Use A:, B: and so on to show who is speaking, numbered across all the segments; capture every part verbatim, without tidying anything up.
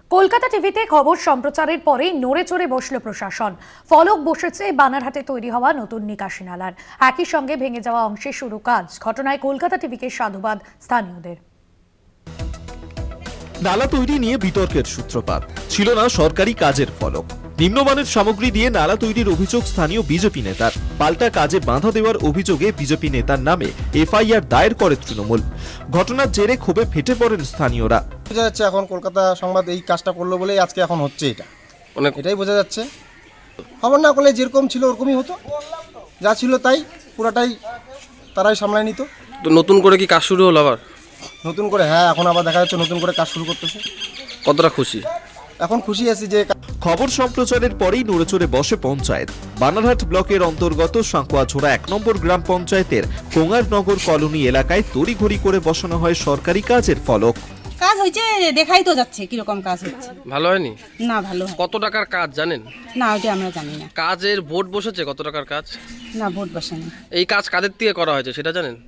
A: কলকাতা টিভিতে খবর সম্প্রচারের পরেই নড়ে চড়ে বসল প্রশাসন। ফলক বসেছে বানারহাটে তৈরি হওয়া নতুন নিকাশি নালার। একই সঙ্গে ভেঙে যাওয়া অংশে শুরু কাজ। ঘটনায় কলকাতা টিভিকে সাধুবাদ স্থানীয়দের।
B: নালা তৈরি নিয়ে বিতর্কের সূত্রপাত। ছিল না সরকারি কাজের ফলক। নিম্নমানের সামগ্রী দিয়ে নালা তৈরির অভিযোগ স্থানীয় বিজেপি নেতার। পাল্টা কাজে বাধা দেওয়ার অভিযোগে বিজেপি নেতার নামে এফআইআর দায়ের করে তৃণমূল। ঘটনার জেরে ক্ষোভে ফেটে পড়েন স্থানীয়রা।
C: বোঝা যাচ্ছে এখন কলকাতা সংবাদ এই কাজটা করলো বলেই আজকে এখন হচ্ছে এটা, অনেক এটাই বোঝা যাচ্ছে। খবর না করলে যেরকম ছিল ওরকমই হতো, যা ছিল তাই পুরাটাই তারাই সামলায় নিত।
D: তো নতুন করে কি কাজ শুরু হলো আবার?
C: নতুন করে হ্যাঁ, এখন আবার দেখা যাচ্ছে নতুন করে কাজ শুরু করতেছে।
D: কতটা খুশি?
C: এখন খুশি আছি যে
B: খবর সম্প্রচারের পরেই নড়েচড়ে বসে পঞ্চায়েত। বানারহাট ব্লকের অন্তর্গত সাঁকুয়াঝোড়া এক নম্বর গ্রাম পঞ্চায়েতের কোঙারনগর কলোনি এলাকায় তড়িঘড়ি করে বসানো হয় সরকারি কাজের ফলক।
E: কাজ হয়েছে, দেখাই তো যাচ্ছে কিরকম কাজ হচ্ছে।
D: ভালো হয়নি?
E: না ভালো হয়।
D: কত টাকার কাজ জানেন?
E: না ওইটা আমরা জানি না।
D: কাজের বোর্ড বসেছে কত টাকার কাজ?
E: না ভোট বসেনি।
D: এই কাজ কাদের থেকে করা হয়েছে সেটা জানেন?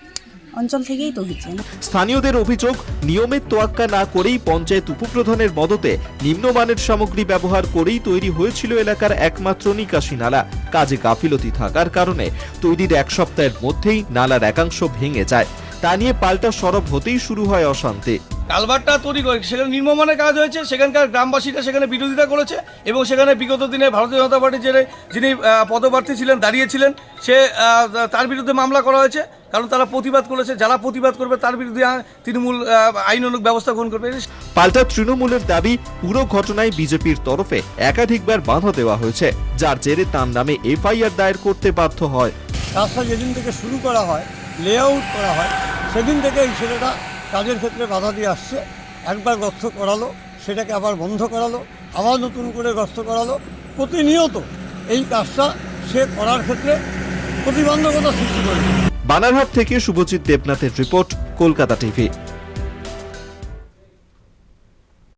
E: অঞ্চল থেকেই তো হচ্ছে।
B: স্থানীয়দের অভিযোগ, নিয়মের তোয়াক্কা না করেই পঞ্চায়েত উপপ্রধানের মদতে নিম্নমানের সামগ্রী ব্যবহার করেই তৈরি হয়েছিল এলাকার একমাত্র নিকাশি নালা। কাজে গাফিলতি থাকার কারণে তৈরির এক সপ্তাহের মধ্যেই নালার একাংশ ভেঙে যায়। তা নিয়ে পাল্টা সরব হতেই শুরু হয় অশান্তি।
F: কালভারটা তৈরি করে সেখানে নিম্নমানের কাজ হয়েছে, সেখানকার গ্রামবাসীরা সেখানে বিরোধিতা করেছে এবং সেখানে বিগত দিনে ভারতীয় জনতা পার্টির যে যিনি পদপ্রার্থী ছিলেন, দাঁড়িয়েছিলেন, সে তার বিরুদ্ধে মামলা করা হয়েছে, কারণ তারা প্রতিবাদ করেছে। যারা প্রতিবাদ করবে তার বিরুদ্ধে তৃণমূল আইনানুগ ব্যবস্থা গ্রহণ করবে।
B: পাল্টা তৃণমূলের দাবি, পুরো ঘটনায় বিজেপির তরফে একাধিকবার বাধা দেওয়া হয়েছে, যার জেরে তার নামে এফআইআর দায়ের করতে বাধ্য হয়।
G: কাজটা যেদিন থেকে শুরু করা হয়, লেআউট করা হয়, সেদিন থেকে এই ছেলেটা কাজের ক্ষেত্রে বাধা দিয়ে আসছে। একবার গর্ত করালো, সেটাকে আবার বন্ধ করালো, আবার নতুন করে গর্ত করালো। প্রতিনিয়ত এই কাজটা সে করার ক্ষেত্রে প্রতিবন্ধকতা সৃষ্টি করেছে।
B: বানারহাট থেকে শুভজিৎ দেবনাথের রিপোর্ট, কলকাতা টিভি।